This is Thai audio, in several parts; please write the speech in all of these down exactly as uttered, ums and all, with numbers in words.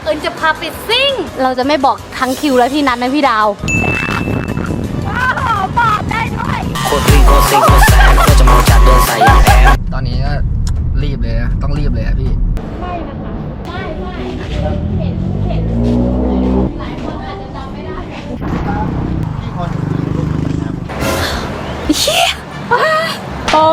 เอิญจะพาไปซิ่งเราจะไม่บอกทั้งคิวและพี่นัทนะพี่ดาวว้าวบอกได้ด้วยโคตรซิ่งโคตรซิ่งโคตรแซ่บโคตรจะมองจัดเดินใส่อย่างแอบตอนนี้ก็รีบเลยนะต้องรีบเลยอะพี่ไม่นะคะไม่ไม่เห็นเห็นหลายคนอาจจะจำไม่ได้พี่คนเฮียโอ้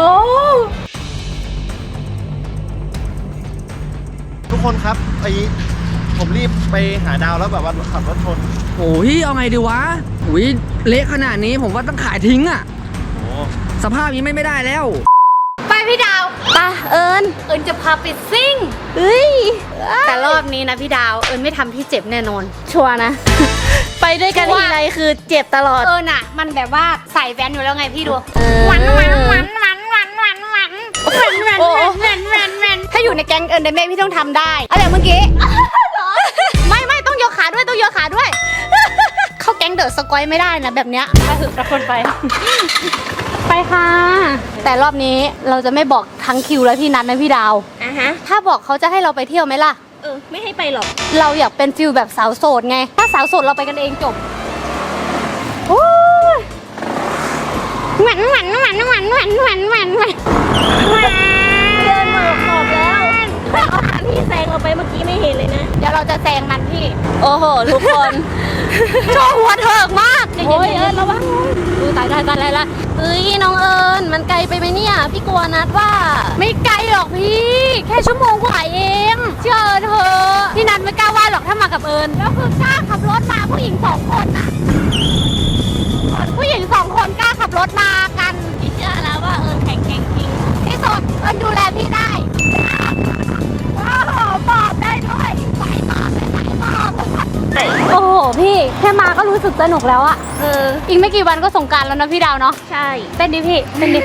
ทุกคนครับไอผมรีบไปหาดาวแล้วแบบว่าขับรถชนโอ้ยเอาไงดีวะโอ้ยเละขนาดนี้ผมว่าต้องขายทิ้งอ่ะโอ้สภาพนี้ไม่ไม่ได้แล้วไปพี่ดาวไปเอิญเอิญจะพาไปซิ่งเฮ้ยแต่รอบนี้นะพี่ดาวเอิญไม่ทำพี่เจ็บแน่นอนชัวร์นะไปด้วยกันทีไรคือเจ็บตลอดเอิญอ่ะมันแบบว่าใส่แว่นอยู่แล้วไงพี่ดูหวันหวันหวันหวันหวันหวันหวันหวันหวันหวันหวันหวันหวันถ้าอยู่ในแก๊งเอิญเดเม่พี่ต้องทำได้อะไรเมื่อกี้ไม่ไม่ต้องยกขาด้วยต้องยกขาด้วยเข้าแก๊งเดอะสกอยไม่ได้นะแบบเนี้ยไปถึงทุกคนไปไปค่ะแต่รอบนี้เราจะไม่บอกทั้งคิวและพี่นัทนะพี่ดาวอ่ะฮะถ้าบอกเขาจะให้เราไปเที่ยวไหมล่ะเออไม่ให้ไปหรอกเราอยากเป็นฟิลแบบสาวโสดไงถ้าสาวโสดเราไปกันเองจบโอ้ยหวันหวันหวันหวันหวันหวันหวันหวันเดินมาขอบแล้วเอาคันที่แซงเราไปเมื่อกี้ไม่เห็นเลยนะเดี๋ยวเราจะแซงมันพี่โอ้โหทุกคนโชว์หัวเถิกมากโอ้ยเอิญระวังดูตายตายตายละเฮ้ยน้องเอิญมันไกลไปไหมเนี่ยพี่กลัวนัดว่าไม่ไกลหรอกพี่แค่ชั่วโมงกว่าเองเชื่อเธอพี่นัทไม่กล้าว่าหรอกถ้ามากับเอิญแล้วคือกล้าขับรถมาผู้หญิงสองคนอะผู้หญิงสองคนกล้าขับรถมากันพี่เชื่อแล้วว่าเอิญแข็งแกร่งจริงที่สุดเอิญดูแลพี่ได้ว้าวบอกได้ด้วยใส่บอกใส่บอกโอ้โหพี่แค่มาก็รู้สึกสนุกแล้วอะเอออีกไม่กี่วันก็สงกรานต์แล้วนะพี่ดาวเนาะใช่เต้นดิพี่เต้นดิ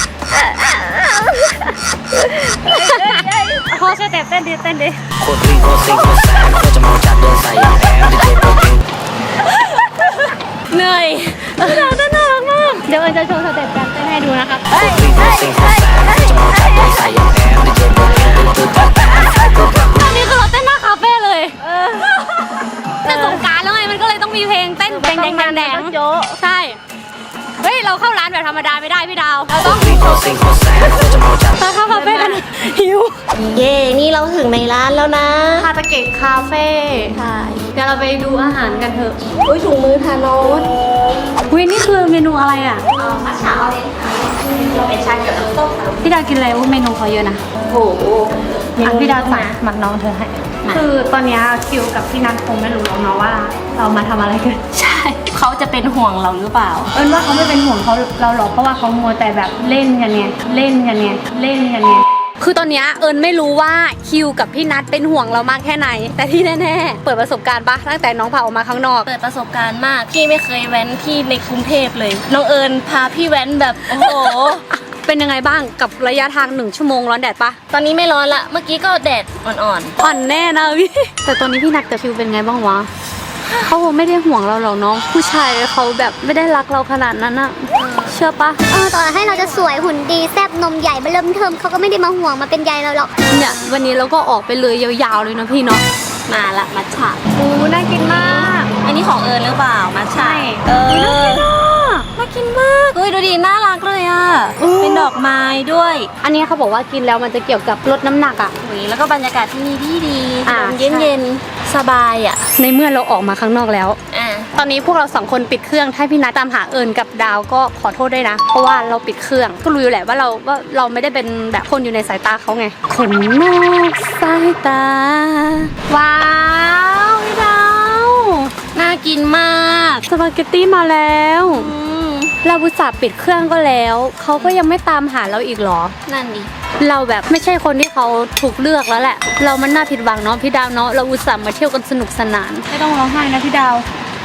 พอช่วยแต่เต้นดิเต้นดิโคตรซิ่งโคตรซิ่งโคตรแซ่บโคตรจะมองจัดเดินใส่อย่างแอบดิเจโปรฟิงเหนื่อยพี่ดาวเต้นน่ารักมากเดี๋ยวเอิญจะโชว์สเต็ปการเต้นให้ดูนะคะโคตรซิ่งโคตรซิ่งโคตรแซ่บโคตรจะมองจัดเดินใส่อย่างแอบดิเจโปรฟิงตอนนี้คือเราเต้นหน้าคาเฟ่เลยแต่สงกรานต์แล้วไงมันก็เลยต้องมีเพลงเต้นแดงแดงแดงแดงใช่เฮ้ยเราเข้าร้านแบบธรรมดาไม่ได้พี่ดาวเราต้องเราเข้าคาเฟ่กันหิวเย่นี่เราถึงในร้านแล้วนะคาตาเกะคาเฟ่ใช่เดี๋ยวเราไปดูอาหารกันเถอะอุ้ยถุงมือทานอสอุ้ยนี่คือเมนูอะไรอ่ะเออมัทฉะออเรนจ์เราเป็นชาเขียวน้ำส้มพี่ดาวกินอะไรอุ้ยเมนูเขาเยอะนะโอ้โหอ่ะพี่ดาวสั่งหมักน้องเธอให้คือตอนนี้คิวกับพี่นัทคงไม่รู้หรอกเนาะว่าเรามาทำอะไรกันใช่เขาจะเป็นห่วงเราหรือเปล่าเอิญว่าเขาไม่เป็นห่วงเขาเราหรอกเพราะว่าเขามัวแต่แบบเล่นกันไงเล่นกันไงเล่นกันไงคือตอนนี้เอิญไม่รู้ว่าคิวกับพี่นัทเป็นห่วงเรามากแค่ไหนแต่ที่แน่ๆเปิดประสบการณ์ปะตั้งแต่น้องพาออกมาข้างนอกเปิดประสบการณ์มากพี่ไม่เคยแว้นที่ในกรุงเทพเลยน้องเอิญพาพี่แว้นแบบโอ้โหเป็นยังไงบ้างกับระยะทางหนึ่งชั่วโมงร้อนแดดปะตอนนี้ไม่ร้อนละเมื่อกี้ก็แดดอ่อนๆอ่อนแน่นะพี่แต่ตอนนี้พี่นัทกับคิวเป็นไงบ้างวะเขาไม่ได้ห่วงเราหรอกน้องผู้ชายเขาแบบไม่ได้รักเราขนาดนั้นอะเชื่อปะเออต่อให้เราจะสวยหุ่นดีแซ่บนมใหญ่มาเริ่มเทิมเขาก็ไม่ได้มาห่วงมาเป็นใยเราหรอกเนี่ยวันนี้เราก็ออกไปเลยยาวๆเลยนะพี่เนาะมาละมัทฉะโอ้น่ากินมากอันนี้ของเอิญหรือเปล่ามัทฉะเออน่ากินมากเฮ้ยดูดิน่ารักเลยอ่ะเป็นดอกไม้ด้วยอันนี้เขาบอกว่ากินแล้วมันจะเกี่ยวกับลดน้ำหนักอ่ะแล้วก็บรรยากาศที่นี่ดีดีเย็นเย็นสบายอ่ะในเมื่อเราออกมาข้างนอกแล้วตอนนี้พวกเราสองคนปิดเครื่องถ้าพี่นัทตามหาเอิญกับดาวก็ขอโทษด้วยนะเพราะว่าเราปิดเครื่องก็รู้อยู่แหละว่าเราว่าเราไม่ได้เป็นแบบคนอยู่ในสายตาเขาไงคนนอกสายตาว้าวพี่ดาวน่ากินมากสปาเกตตี้มาแล้วเราอุตส่าห์ปิดเครื่องก็แล้วเขาก็ยังไม่ตามหาเราอีกหรอนั่นดิเราแบบไม่ใช่คนที่เขาถูกเลือกแล้วแหละเรามันน่าผิดหวังเนาะพี่ดาวเนาะเราอุตส่าห์มาเที่ยวกันสนุกสนานไม่ต้องร้องไห้นะพี่ดาว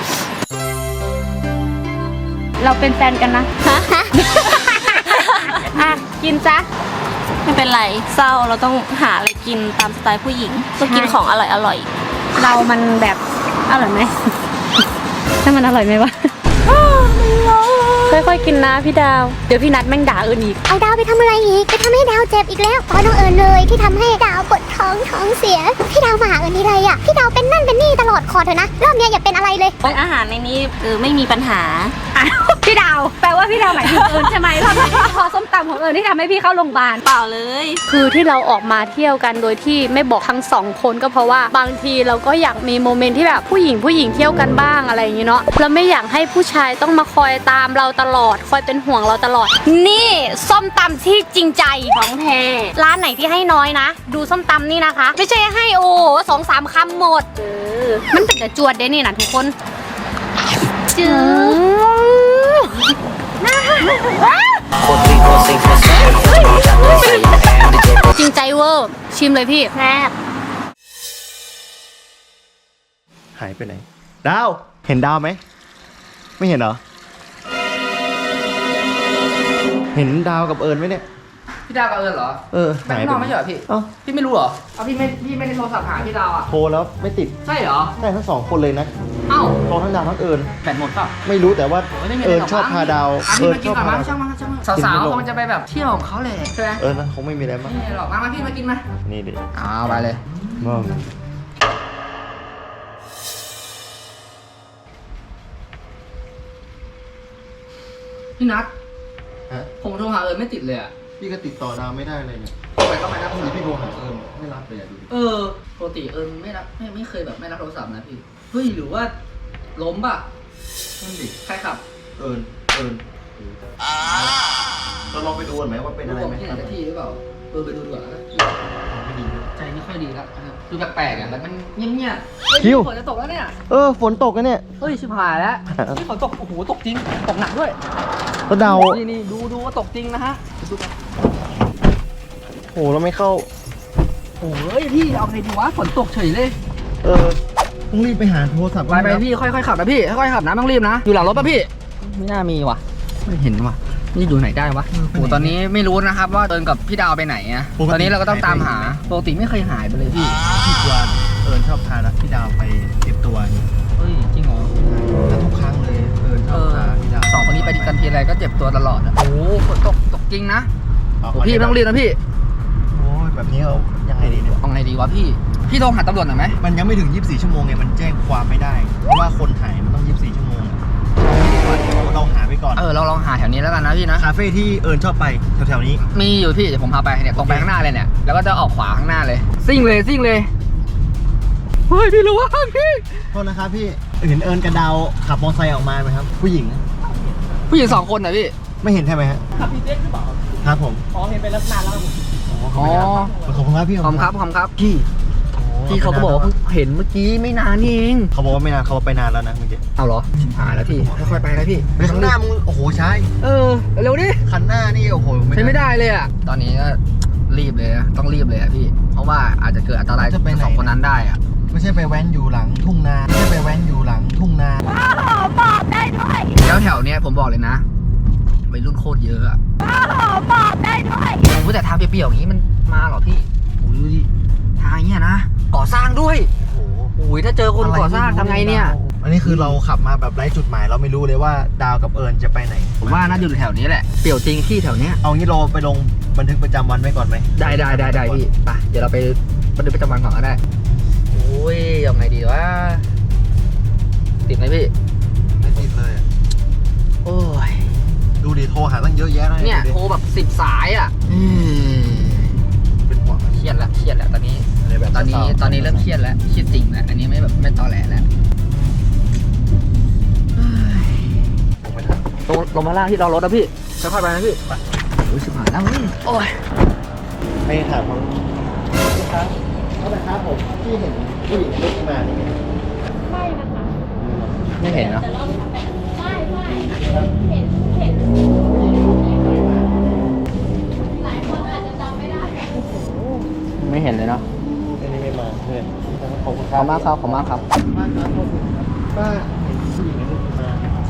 เราเป็นแฟนกันนะฮะอ่ะกินจ้ะไม่เป็นไรเศร้าเราต้องหาอะไรกินตามสไตล์ผู้หญิงต้องกินของอร่อยอร่อยเรามันแบบอร่อยไหมถ้ามันอร่อยไหมวะมันร้อนค่อยๆกินนะพี่ดาว เดี๋ยวพี่นัดแม่งด่าเอิญอีกเอาดาวไปทำอะไรอีกไปทำให้ดาวเจ็บอีกแล้วเพราะน้องเอิญเลยที่ทำให้ดาวปวดท้องท้องเสียพี่ดาวมาหาเอิญทีไรอ่ะพี่ดาวเป็นนั่นเป็นนี่ตลอดขอเถอะนะรอบเนี้ยอย่าเป็นอะไรเลยอาหารในนี้เออไม่มีปัญหาอ้าวพี่ดาวแปลว่าพี่ดาวหมายถึงเอิญใช่ไหมเพราะพอส้มตำของเอิญที่ทำให้พี่เข้าโรงพยาบาลเปล่าเลยคือที่เราออกมาเที่ยวกันโดยที่ไม่บอกทั้งสองคนก็เพราะว่าบางทีเราก็อยากมีโมเมนต์ที่แบบผู้หญิงผู้หญิงเที่ยวกันบ้างอะไรอย่างนี้เนาะเราไม่อยากให้ผู้ชายต้องมาคอยตามเราตลอดคอยเป็นห่วงเราตลอด นี่ส้มตำที่จริงใจของแท้ร้านไหนที่ให้น้อยนะ ดูส้มตำนี่นะคะ ไม่ใช่ให้โอ้สองสามคำหมดเออมันเป็นแต่จวดเด้นี่นะทุกคนจื้อ จริงใจเวอร์ชิมเลยพี่แซ่บหายไปไหน ดาว เห็นดาวไหม ไม่เห็นเหรอ เห็นดาวกับเอิญไหมเนี่ยพี่ดาวกับเอิญเหรอเออแม่งนอนไม่ใช่เหรอพี่เอ้าพี่ไม่รู้เหรอเอาพี่ไม่พี่ไม่ได้โทรศัพท์หาพี่ดาวอ่ะโทรแล้วไม่ติดใช่เหรอได้ทั้งสองคนเลยนะเอ้าโทรทั้งดาวทั้งเอิญแบตหมดเปล่าไม่รู้แต่ว่าไม่มีะเอิไรญหรกชอบพาดาวอ่ะเอิพี่ญมาชกินอบก่อนพามั้งดาวช่างมันช่างมันสาวๆคงจะไปแบบเที่ยวของเขาเลยใช่ไหมเอิญนะคงไม่มีอะไรมั้งไม่มีหรอกมามาพี่มากินมานี่ดิเอาไปเลยมั่งพี่นัทฮะผมโทรหาเอิญไม่ติดเลยอ่ะพี่ก็ติดต่อดาวไม่ได้เลยเนี่ยไปก็ไม่รับนี่พี่โทรหาเอิญไม่รับเลยอะดูดิเออปกติเอิญไม่รับไม่ไม่เคยแบบไม่รับโทรศัพท์นะพี่เฮ้ยหรือว่าล้มป่ะนั่นดิใครขับเอิญเอิญเราลองไปดูกันไหมว่าเป็นอะไรไหมที่ไหนสักที่หรือเปล่าเออไปดูดีกว่านะไม่ดีใจไม่ค่อยดีแล้วดูแปลกๆอ่ะแล้วมันเงียบๆคิวฝนจะตกแล้วเนี่ยเออฝนตกกันเนี่ยเฮ้ยชิบหายแล้วนี่ฝนตกโอ้โหตกจริงตกหนักด้วยแล้วดาวนี่นี่ดูดูว่าตกจริงนะฮะดูกันโอ้เราไม่เข้าโอ้ยพี่เอาไงดีวะฝนตกเฉยเลยเออต้องรีบไปหาโทรศัพท์ไปไปพี่ค่อยๆขับนะพี่ค่อยๆขับนะไม่ต้องรีบนะอยู่หลังรถป่ะพี่ไม่น่ามีว่ะไม่เห็นว่ะนี่อยู่ไหนได้วะโอ้ตอนนี้ไม่รู้นะครับว่าเดินกับพี่ดาวไปไหนอะตอนนี้เราก็ต้องตามหาปกติไม่เคยหายไปเลยพี่พี่กวานเอิญชอบพาพี่ดาวไปเก็บตัวนี่เฮ้ยจริงเหรอแล้วทุกครั้งเลยเอิญชเออบอพาพี่ดาวสองคนนี้ไปกันทีไรก็เจ็บตัวตลอดอะโอ้โหฝนตกตกจริงนะเอาโอ้พี่ไม่ต้องรีบนะพี่โอ้ยแบบนี้เอายังไงดีเนี่ยเอาไงดีวะพี่พี่โทรหาตำรวจหน่อยไหมมันยังไม่ถึงยี่สิบสี่ชั่วโมงไงมันแจ้งความไม่ได้ เพราะว่าคนหายมันต้องยี่สิบสี่ชั่วโมงเราหาไปก่อนเออเราลองหาแถวนี้แล้วกันนะพี่นะคาเฟ่ที่เอิญชอบไปแถวๆนี้มีอยู่พี่เดี๋ยวผมพาไปเนี่ยตรงไปข้างหน้าเลยเนี่ยแล้วก็จะออกขวาข้างหน้าเลยซิ่งเลยซิ่งเลยเฮ้ยพี่รู้ว่าพี่โทษนะครับพี่เห็นเอิญกับดาวขับมอเตอร์ไซค์ออกมาไหมครับ ผู้หญิงผู้หญิงสองคนนะพี่ไม่เห็นใช่ไหมฮะขับพีเซ็กหรือเปล่าครับผมอ๋อเห็นไปแล้วนานแล้วอ๋อขอบคุณครับพี่ขอบคุณครับขอบคุณครับพี่โอ้พี่เขาก็บอกว่าเพิ่งเห็นเมื่อกี้ไม่นานนี่เองเขาบอกว่าไม่นานเขาไปนานแล้วนะเมื่อกี้เอาเหรอหายแล้วพี่ค่อยๆไปนะพี่ไปข้างหน้ามึงโอ้โหใช่เออเร็วดิคันหน้านี่โอ้โหใช้ไม่ได้เลยอ่ะตอนนี้ก็รีบเลยนะต้องรีบเลยอ่ะพี่ เพราะว่าอาจจะเกิดอันตรายกับสองคนนั้นได้อ่ะไม่ใช่ไปแว้นอยู่หลังทุ่งนาไม่ใช่ไปแว้นอยู่หลังทุ่งนาแล้วแถวเนี้ยผมบอกเลยนะวัยรุ่นโคตรเยอะอะโอ้แต่ทางเปรี้ยวๆอย่างนี้มันมาเหรอพี่โอ้ยดูดิทางอย่างเงี้ยนะก่อสร้างด้วยโอ้โหโอ้ยถ้าเจอคนก่อสร้างทำไงเนี่ยอันนี้คือเราขับมาแบบไร้จุดหมายเราไม่รู้เลยว่าดาวกับเอิญจะไปไหนผมว่าน่าอยู่แถวนี้แหละเปรี้ยวจริงที่แถวเนี้ยเอางี้เราไปลงบันทึกประจำวันไว้ก่อนไหมได้ได้ได้ได้พี่ไปเดี๋ยวเราไปบันทึกประจำวันก่อนก็ได้โอ้ยยังไงดีวะติดไหมพี่ไม่ติดเลยอะโอ้ยดูดิโทรหาตั้งเยอะแยะเลยเนี่ยดูดิโทรแบบสิบสายอ่ะอืมเป็นห่วงเครียดละเครียดละตอนนี้อะไรแบบตอนนี้เศร้าๆตอนนี้เริ่มเครียดแล้วเครียดจริงแล้วอันนี้ไม่แบบไม่ตอแหลแล้วลงไปถามลงลงมาล่างที่เรารถนะพี่ค่อยๆไปนะพี่ไปโอ้ยชิบหายแล้วเฮ้ยโอ้ยให้ถามเขาลูกค้าเขาแต่ครับผมที่เห็นผู้หญิงลุกมานี่ไม่เห็นเนาะไม่เห็นเลยเนาะอันนี้ไม่มาเพื่อนขอบคุณคขรัอบบมากครับขอบมากครับป้าครับขอบคุณครับป้าเห็นผู้หญิงลุกมา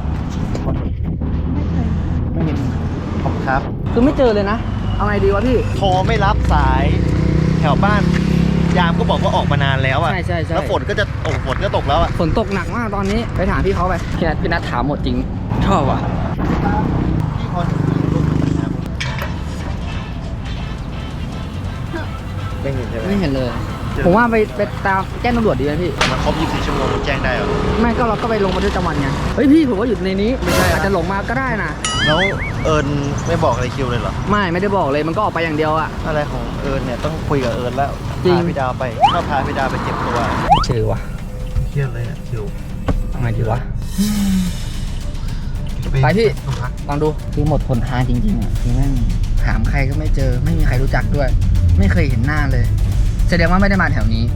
ไม่เห็นขอบคุณครับคือไม่เจอเลยนะเอาไงดีวะพี่โทรไม่รับสายแถวบ้าน ยามก็บอกว่าออกมานานแล้วอ่ะใช่ใช่ใช่แล้วฝนก็จะโอ้ฝนก็ตกแล้วอ่ะฝนตกหนักมากตอนนี้ไปถามพี่เขาไปพี่นัทพี่นัทถามหมดจริงชอบว่ะพี่พอจะมีรูปมันนะครับไม่เห็นใช่ไหมไม่เห็นเลย ผมว่าไปไปตามแจ้งตำรวจดีไหมพี่มันครบยี่สิบสี่ชั่วโมงมันแจ้งได้เหรอไม่ก็เราก็ไปลงบันทึกประจำวันไงเฮ้ยพี่ผมว่าอยู่ในนี้ไม่ใช่อาจจะหลงมาก็ได้นะแล้วเอิญไม่บอกอะไรคิวเลยเหรอไม่ไม่ได้บอกเลยมันก็ออกไปอย่างเดียวอะอะไรของเอิญเนี่ยต้องคุยกับเอิญแล้วจริงพาพี่ดาวไปถ้าพาพี่ดาวไปเจ็บตัวเจอวะเครียดเลยอ่ะคิวทำไงดีวะ ไปพี่โรงพักลองดูคือหมดหนทางจริงๆอ่ะคือแม่งถามใครก็ไม่เจอ ไม่มีใครรู้จักด้วย ไม่เคยเห็นหน้าเลย แสดงว่าไม่ได้มาแถวนี้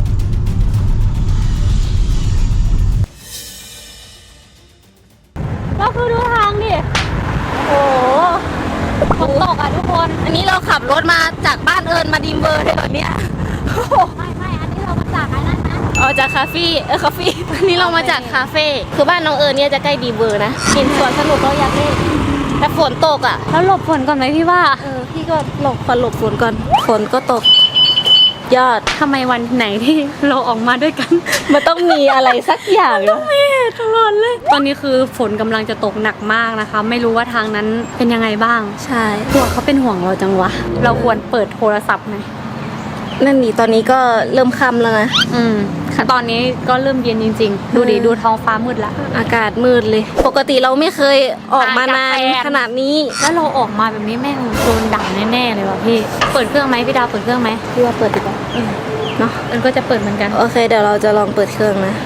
ก็คือดูทางดิ โอ้โหฝนตกอ่ะทุกคน อันนี้เราขับรถมาจากบ้านเอิญมาดีมเบอร์เลยเหรอเนี่ยไม่ไม่อันนี้เรามาจากอันนั้นนะอ๋อจากคาเฟ่เออคาเฟ่อันนี้เรามาจากคาเฟ่คือบ้านน้องเอิญเนี่ยจะใกล้ดีมเบอร์นะเห็นสวนสนุกเราอยากเล่นแต่ฝนตกอ่ะแล้วหลบฝนก่อนไหมพี่ว่าเออพี่ก็หลบฝนหลบฝนก่อนฝนก็ตก ยอดทำไมวันไหนที่เราออกมาด้วยกันมันต้องมีอะไรสักอย่างเนอะไม่เห็นตลอดเลย ตอนนี้คือฝนกำลังจะตกหนักมากนะคะ ไม่รู้ว่าทางนั้นเป็นยังไงบ้างใช่ตัวเขาเป็นห่วงเราจังวะ เราควรเปิดโทรศัพท์ไหมนั่นนี่ตอนนี้ก็เริ่มค่ำแล้วนะอืมค่ะตอนนี้ก็เริ่มเย็นจริง ๆ ดูดิอืมดูท้องฟ้ามืดละอากาศมืดเลย ปกติเราไม่เคยออกมานานห่างจากแฟนขนาดนี้แล้วเราออกมาแบบนี้แม่งโดนด่าแน่ๆเลยว่ะพี่ เปิดเครื่องไหมพี่ดาวเปิดเครื่องไหมพี่ว่าเปิดดีกว่าเนาะเอิญก็จะเปิดเหมือนกันโอเคเดี๋ยวเราจะลองเปิดเครื่องนะ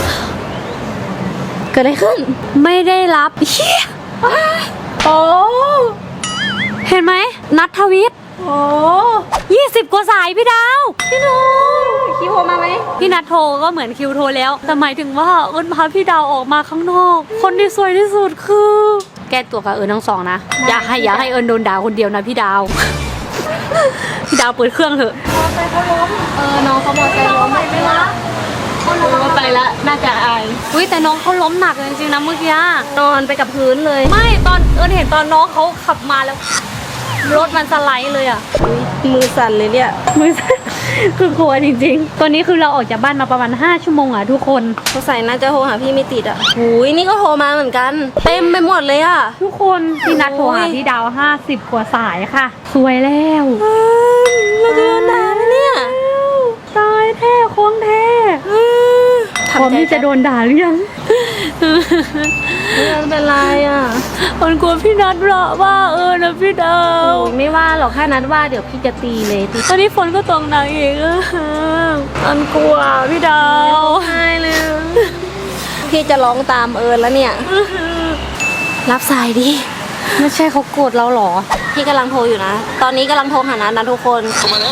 เกิดอะไรขึ้นไม่ได้รับเฮียโอ้เห็นไหมนัททวิตโอ้ยี่สิบกว่าสายพี่ดาวพี่โนคิวโทรมาไหมพี่นัทโทรก็เหมือนคิวโทรแล้ว แต่หมายถึงว่าเอิญพาพี่ดาวออกมาข้างนอก คนที่สวยที่สุดคือ แก้ตัวกับเอิญทั้งสองนะ อย่าให้อย่าให้เอิญโดนด่าคนเดียวนะพี่ดาว พี่ดาวเปิดเครื่องเถอะเออน้องเขาบอกใจล้มไม่ไม่ละเขาล้มไปละน่าจะอายอุ้ยแต่น้องเขาล้มหนักเลยจริงๆนะเมื่อกี้นอนไปกับพื้นเลยไม่ตอนเอิญเห็นตอนน้องเขาขับมาแล้ว รถมันสไลด์เลยอ่ะมือสั่นเลยเนี่ยมือสั่น คือกลัวจริงๆ ตัวนี้คือเราออกจากบ้านมาประมาณห้าชั่วโมงอ่ะทุกคนสงสัยน่าจะโทรหาพี่ไม่ติดอ่ะหูยนี่ก็โทรมาเหมือนกัน เต็มไปหมดเลยอ่ะทุกคนพี่นัดโทรหาพี่ดาวห้าสิบกว่าสายค่ะ สวยแล้วเราจะโดนด่าไหมเนี่ยตายแท้โค้งแท้ พร้อมที่จะโดนด่าหรือยังไม่เป็นไรอ่ะมันกลัวพี่นัดหรอว่าเออนะพี่ดาวโอ้ยไม่ว่าหรอกแค่นัดว่าเดี๋ยวพี่จะตีเลยตีตอนนี้ฝนก็ตกหนักอีกอะมันกลัวพี่ดาวใช่เลยพี่จะร้องตามเอิญแล้วเนี่ย รับสายดิไม่ใช่เขาโกรธเราหรอพี่กำลังโทรอยู่นะ ตอนนี้กำลังโทรหานัดนะทุกคน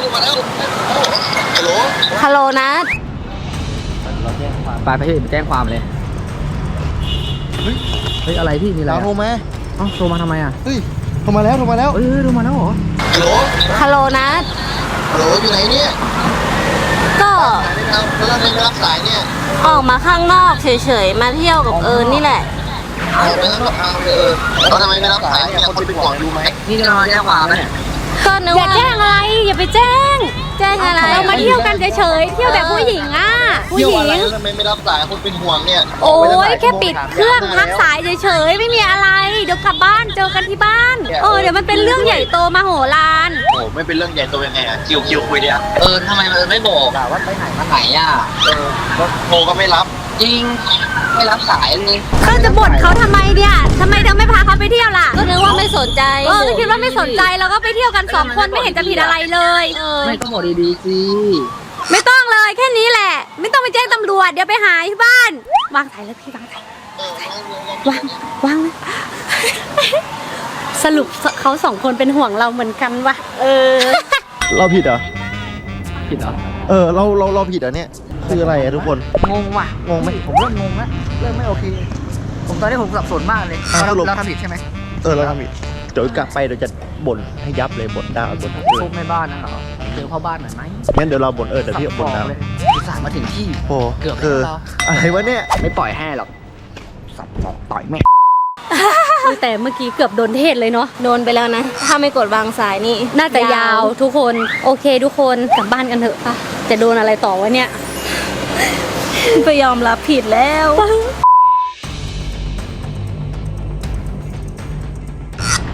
ฮัลโหลนัดเราแจ้งความไปไปพี่ไปแจ้งความเลยเฮ้ยเฮ้ยอะไรพี่มีอะไรดาวอะโทรมาเอ้าโทรมาทำไมอ่ะเฮ้ยโทรมาแล้วโทรมาแล้วเอ้ยโทรมาแล้วเหรอฮัลโหลฮัลโหลนัดฮัลโหลอยู่ไหนเนี่ยก็สายได้แล้วแล้วไม่รับสายเนี่ยออกมาข้างนอกเฉยๆ มาเที่ยวกับเอิญนี่แหละเอาไปแล้วเอาเออแล้วทำไมไม่รับสายเนี่ยคนเป็นห่วงดูไหมนี่จะมาแจ้งความเนี่ยก็นึกอย่าว่าแจ้งอะไร อย่าไปแจ้งแจ้งอะไรเรามาเที่ยวกันเฉยๆ เที่ยวแบบผู้หญิงอ่ะ ผู้หญิงทำไมไม่รับสายคนเป็นห่วงเนี่ยโอ้ยแค่ปิดเครื่องพักสายเฉยๆ ไม่มีอะไร เดี๋ยวกลับบ้านเจอกันที่บ้าน เออเดี๋ยวมันเป็นเรื่องใหญ่โตมโหฬารโอ้ไม่เป็นเรื่องใหญ่โตยังไงอะคิวคิวคุยดิอะเออทำไมมันไม่บอกอะว่าไปไหนมาไหนอ่ะเออก็โทรก็ไม่รับจริงไม่รับสายเลยก็จะบ่นเขาทำไมเนี่ยทำไมเธอไม่พาเขาไปเที่ยวล่ะก็นึกว่าไม่สนใจเออก็คิดว่าไม่สนใจเราก็ไปเที่ยวกันสองคนไม่เห็นจะผิดอะไรเลย เออไม่ก็บอกดีๆสิไม่ต้องเลยแค่นี้แหละ ไม่ต้องไปแจ้งตำรวจเดี๋ยวไปหาที่บ้าน วางสายแล้วพี่วางสายวางวางเลยสรุปเขาสองคนเป็นห่วงเราเหมือนกันวะเออเราผิดเหรอผิดเหรอเออเราเราเราผิดเหรอเนี่ยคืออะไรอะทุกคนงงว่ะงงไหมผมเริ่มงงแล้วเริ่มไม่โอเค ผมตอนนี้ผมสับสนมากเลยอ่ะเราสรุปเราทำผิดใช่ไหมเออเราทำผิดเดี๋ยวกลับไปเดี๋ยวจะบ่นให้ยับเลยบ่นดาวบ่นเอพอวกแม่บ้านนะเหรอเจอพ่อบ้านหน่อยไหมงั้นเดี๋ยวเราบ่นเออเดี๋ยวพี่บ่นดาวเลยอุตส่าห์มาถึงที่โอ้เกือบคือแล้วอะไรวะเนี่ยไม่ปล่อยให้หรอกสับสอกต่อยแม่แต่เมื่อกี้เกือบโดนเทศเลยเนาะโดนไปแล้วนะ ถ้าไม่กดวางสายนี่น่าจะยาวทุกคนโอเคทุกคนกลับบ้านกันเถอะปะจะโดนอะไรต่อวะเนี่ยไปยอมรับผิดแล้ว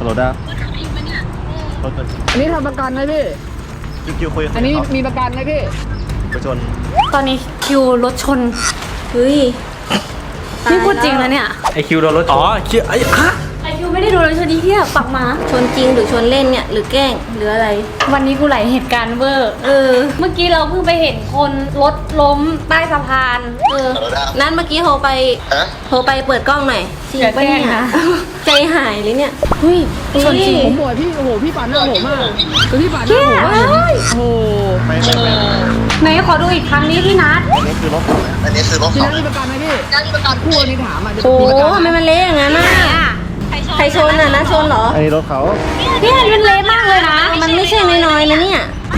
ลดารถอันนี้ทำประกันไหมพี่คิวคิวคุยกับอันนี้เขามีประกันไหมพี่ไปชนตอนนี้คิวรถชนเฮ้ยนี่พูดจริงนะเนี่ยไอคิวโดนรถอ๋อคิวไอ้ฮะไอคิวไม่ได้โดนรถชนที่เที่ยปักมาชนจริงหรือชนเล่นเนี่ยหรือแกล้งหรืออะไรวันนี้กูไหลเหตุการณ์เวอร์เออเมื่อกี้เราเพิ่งไปเห็นคนรถล้มใต้สะพานเออ นั้นเมื่อกี้โทรไปโทรไปเปิดกล้องหน่อยจริงปะเนี่ยใจหายเลยเนี่ยเฮ้ยชนจริงผมบอกพี่โอ้โหพี่ปาดหน้าผมมากคือพี่ปาดหน้าผมมากโอ้โหไม่ไม่ไม่ไหนขอดูอีกครั้งนี้พี่นัทอันนี้คือรถเขาอันนี้คือรถพี่เขานัทมีประกันไหมพี่มีประกันคู่อันนี้ถามอ่ะจะโอ้มีประกันทำไมมันเละอย่างนั้นน่ะใครชนอ่ะนะชนเหรออันนี้รถเขาพี่นัทมันเละมากเลยนะมันไม่ใช่น้อยๆนะเนี่ย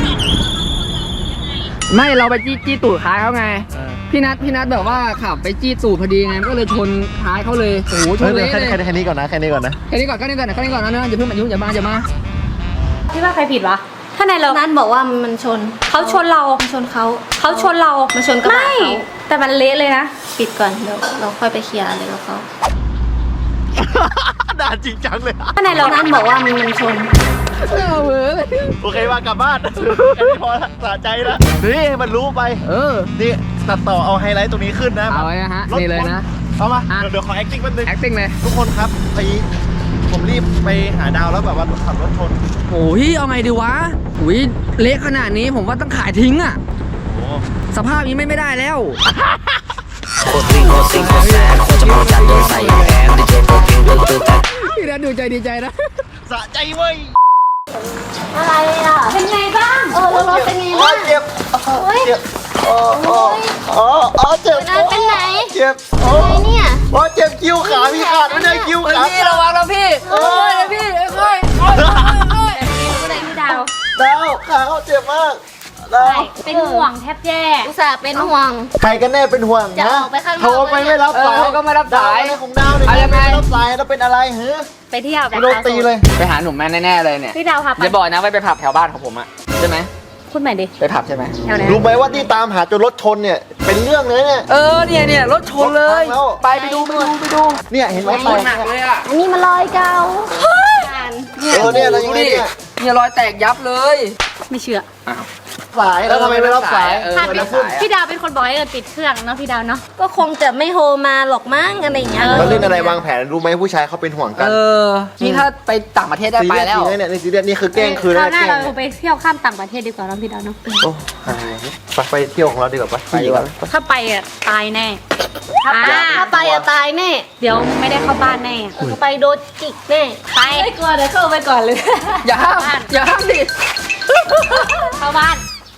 ไม่เราไปจี้จี้ตูดท้ายเขาไงพี่นัทพี่นัทแบบว่าขับไปจี้ตูดพอดีไงก็เลยชนท้ายเขาเลยโอ้โหชเฮ้ยนเดี๋ยวเละแค่เลยแค่แค่นี้ก่อนนะแค่นี้ก่อนนะแค่นี้ก่อนแค่นี้ก่อนแค่นี้ก่อนนะอย่าเพิ่งมายุ่งอย่ามาอย่ามาพี่ว่าใครผิดวะ ถ้าในเรานัทบอกว่ามันชนเขาชนเรามันชนเขาเขาชนเรามาชนกระบะไม่เขาแต่มันเละเลยนะปิดก่อนเดี๋ยวเราค่อยไปเคลียร์อะไรกับเขาด่าจริงจังเลยถ้าในเรานัทบอกว่ามันมันชนเออเวอร์เลยโอเคว่ากลับบ้านแค่นี้พอละสะใจแล้วนี่มันรู้ไปเออนี่ตัดต่อเอาไฮไลท์ตรงนี้ขึ้นนะเอาไว้นะฮะนี่เลยนะเอามาอ่ะเดี๋ยวเดี๋ยวขอ acting แป๊บนึง acting เลยทุกคนครับไปผมรีบไปหาดาวแล้วแบบว่าขับรถชนโอ้ยเอาไงดีวะอุ้ยเละขนาดนี้ผมว่าต้องขายทิ้งอ่ะโอ้สภาพนี้ไม่ไม่ได้แล้วโคตรซิงโคตรซิงโคตรแซดโคตรจะมองจัดโดนใส่แอนดีเจโปรกิงดูดูแต่พี่นัทดูใจดีใจนะสะใจเว้ยอะไรอ่ะเป็นไงบ้างเออแล้วรถเป็นไงอ๋อบ้างเจ็บเจ็บอ๋ออ๋ออ๋ออ๋อเจ็บนัทเป็นไหนเจ็บโอ้อะไรเนี่ยโอ้เจ็บคิ้วขาพี่ขาดไม่ได้คิ้วขาพี่ระวังนะพี่โอ้ยพี่ค่อยก็เลยพี่ดาวดาวขาเขาเจ็บมากดาวเป็นห่วงแทบแย่อุตส่าห์เป็นห่วงใครกันแน่เป็นห่วงจะนะออกไปข้างนอกโทรไปไม่รับสายเออก็ไม่รับสายดวอะไรของดาวเนี่ยเอายังไงไม่รับสายแล้วเป็นอะไรเฮ้ยไปเที่ยวโดนตีเลยไปหาหนุ่มแม่แน่ๆเลยเนี่ยพี่ดาวค่ะไปอย่าบอกนะว่าไปผับแถวบ้านของผมอะใช่ไหมพูดใหม่ดิไปผับใช่ไหมแถวไหนรู้ไหมว่าที่ตามหาจนรถชนเนี่ยเป็นเรื่องเลยเนี่ยเออเนี่ยเนี่ยรถชนเลยรถพังแล้วไปไปดูไปดูไปดูเนี่ยเห็นไหมรถหนักเลยอะอันนี้มันรอยเก่าเออเนี่ยเรายังไงเนี่ยเนี่ยรอยแตกยับเลยไม่เชื่ออ้าวสายแล้วทำไมไม่รับสายเออค่ะไม่พี่รับสายพี่ดาวเป็นคนบอกให้เอิญปิดเครื่องเนาะพี่ดาวเนาะก็คงจะไม่โทรมาหรอกมั้งอะไรอย่างเงี้ยเราเล่นอะไรวางแผนรู้ไหมผู้ชายเขาเป็นห่วงกันเออนี่ถ้าไปต่างประเทศได้ไปแล้วซีเรียสจริงนะเนี่ยนี่ซีเรียสนี่คือแกล้งคืนคแล้ราว วหน้าแกล้เรางไปเที่ยวข้ามต่างประเทศดีกว่าเนาะพี่ดาวเนาะโอ้อะไรเนี่ยไปไปเที่ยวของเราดีกว่าปะไปดีกว่าถ้าไปอ่ะตายแน่ถ้าไปถ้าไปอะตายแน่เดี๋ยวไม่ได้เข้าบ้านแน่ไปโดนจิกแน่ไปไม่กลัวเดี๋ยวเข้าไปก่อนเลยอย่าห้ามอย่าห้ามดิเข้าบ้าน